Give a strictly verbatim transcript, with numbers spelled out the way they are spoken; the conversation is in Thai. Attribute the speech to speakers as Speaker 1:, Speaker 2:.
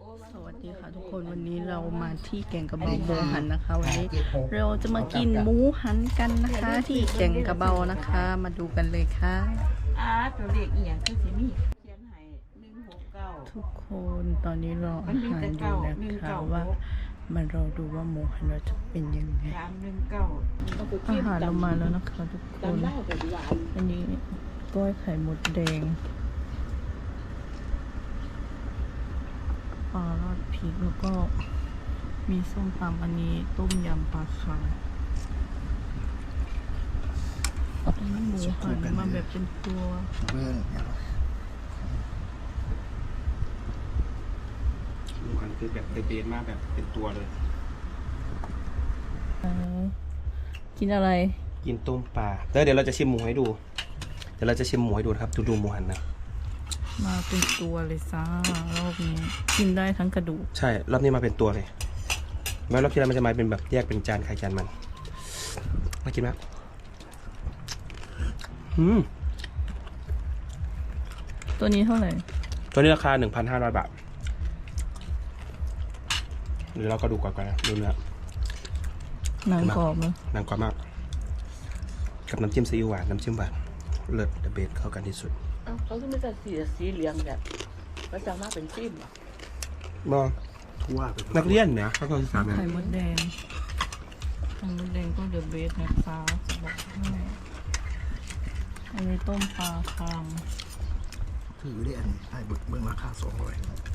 Speaker 1: สวัสดีค่ะทุกคนวันนี้เรามาที่แก่งกระเบาหมูหันนะคะวันนี้เราจะมากินหมูหันกันนะคะที่แก่งกระเบานะคะ มาดูกันเลยค่ะ
Speaker 2: อาตัวเด็กอีหยังคือสิมีเขียนให้หนึ่งหกเก้า
Speaker 1: ทุกคนตอนนี้รออาหารอยู่นะคะว่ามาเราดูว่าหมูหันเราจะเป็นยังไง
Speaker 2: สามหนึ่งเก้า
Speaker 1: อาหารเรามาแล้วนะคะทุกคนอันนี้กล้อยไข่มดแดงปลาราดพริกแล้วก็มีส้มตำอันนี้ต้มยำปลาคาอันนี้หมูหันมาแบบเป็นตัว
Speaker 3: เบื้อง
Speaker 4: หมูหันคือแบบเบสมากแบบเป็นตัวเลย
Speaker 1: กินอะไร
Speaker 4: กินต้มปลาแล้วเดี๋ยวเราจะชิมหมูให้ดูเดี๋ยวเราจะชิมหมูให้ดูนะครับดูดูหมูหันนะ
Speaker 1: มาเป็นตัวเลยซ่ารอบนี้กินได้ทั้งกระดูก
Speaker 4: ใช่รอบนี้มาเป็นตัวเลยแม้รอบที่แล้วมันจะมาเป็นแบบแยกเป็นจานใครจานมันมากินไหมอืม
Speaker 1: ตัวนี้เท่าไหร่
Speaker 4: ตัวนี้ราคา หนึ่งพันห้าร้อย บาทเดี๋ยวเราก็ดูก่อนกันนะดูเนื้อ
Speaker 1: หนังกรอบมั้ย
Speaker 4: หนังกรอบมากกับน้ำจิ้มซีอิ๊วหวานน้ำจิ้มหวานเลิศเดอะเบสเข้ากันที่สุด
Speaker 2: เขาก็ไม่จะสีสีเหลืองแบบก็จะมาเป็นจิ้มอ่ะ
Speaker 4: บอทั่วนักเรียนเนี่ยเขาก็ศึกษาแบบ
Speaker 1: ไข่มดแดงไข่มดแดงก็เดอะเบสนะคะจะบอกให้อันนี้ต้มปลาคาง
Speaker 3: ถือได้อันนี้ให้เบื้องราคาสองร้อย